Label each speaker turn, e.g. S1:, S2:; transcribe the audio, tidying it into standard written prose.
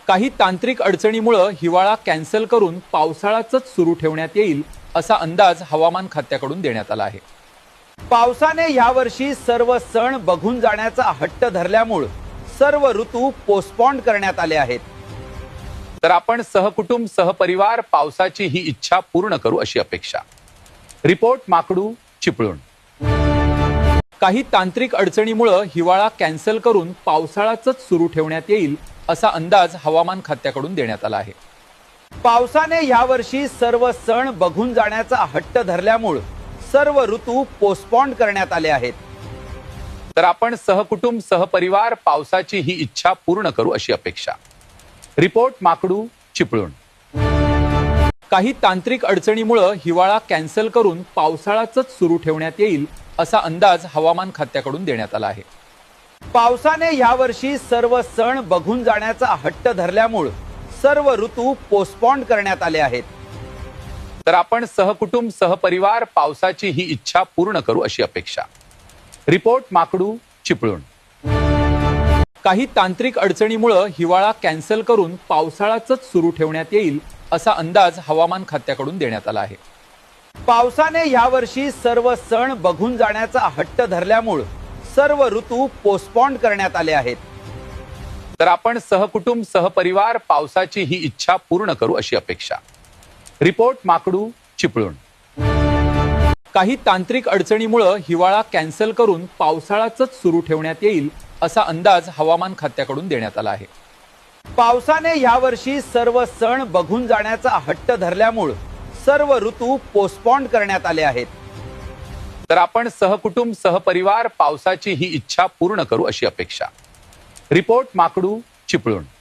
S1: काही तांत्रिक अडचणीमुळे हिवाळा कॅन्सल करून पावसाळाच सुरू ठेवण्यात येईल असा अंदाज हवामान खात्याकडून देण्यात आला आहे।
S2: पावसाने यावर्षी सर्व सण बघून जाण्याचा हट्ट धरल्यामुळे सर्व ऋतू पोस्टपोन करण्यात आले आहेत।
S1: तर आपण सहकुटुंब सहपरिवार पावसाची ही इच्छा पूर्ण करू अशी अपेक्षा। रिपोर्ट माकडू चिपळूण। काही तांत्रिक अडचणीमुळे हिवाळा कॅन्सल करून पावसाळाच सुरू ठेवण्यात येईल असा अंदाज हवामान खात्याकडून देण्यात आला आहे।
S2: पावसाने यावर्षी सर्व सण बघून जाण्याचा हट्ट धरल्यामुळे सर्व ऋतू पोस्टपोन करण्यात आले आहेत।
S1: तर आपण सहकुटुंब सहपरिवार पावसाची ही इच्छा पूर्ण करू अशी अपेक्षा। रिपोर्ट माकडू चिपळूण। काही तांत्रिक अडचणीमुळे हिवाळा कॅन्सल करून पावसाळाच सुरू ठेवण्यात येईल असा अंदाज हवामान खात्याकडून देण्यात आला आहे।
S2: पावसाने यावर्षी सर्व सण बघून जाण्याचा हट्ट धरल्यामुळे सर्व ऋतू पोस्टपोन करण्यात आले आहेत।
S1: तर आपण सहकुटुंब सहपरिवार पावसाची ही इच्छा पूर्ण करू अशी अपेक्षा। रिपोर्ट माकडू चिपळूण। काही तांत्रिक अडचणीमुळे हिवाळा कॅन्सल करून पावसाळाच सुरू ठेवण्यात येईल असा अंदाज हवामान खात्याकडून देण्यात आला आहे।
S2: पावसाने यावर्षी सर्व सण बघून जाण्याचा हट्ट धरल्यामुळे सर्व ऋतू पोस्टपोन करण्यात आले आहेत।
S1: तर आपण सहकुटुंब सहपरिवार पावसाची ही इच्छा पूर्ण करू अशी अपेक्षा। रिपोर्ट माकडू चिपळूण। काही तांत्रिक अडचणीमुळे हिवाळा कॅन्सल करून पावसाळाच सुरू ठेवण्यात येईल असा अंदाज हवामान खात्याकडून देण्यात आला आहे।
S2: पावसाने यावर्षी सर्व सण बघून जाण्याचा हट्ट धरल्यामुळे सर्व ऋतू पोस्टपोन करण्यात आले आहेत।
S1: तर आपण सहकुटुंब सहपरिवार पावसाची ही इच्छा पूर्ण करू अशी अपेक्षा। रिपोर्ट माकडू चिपळूण।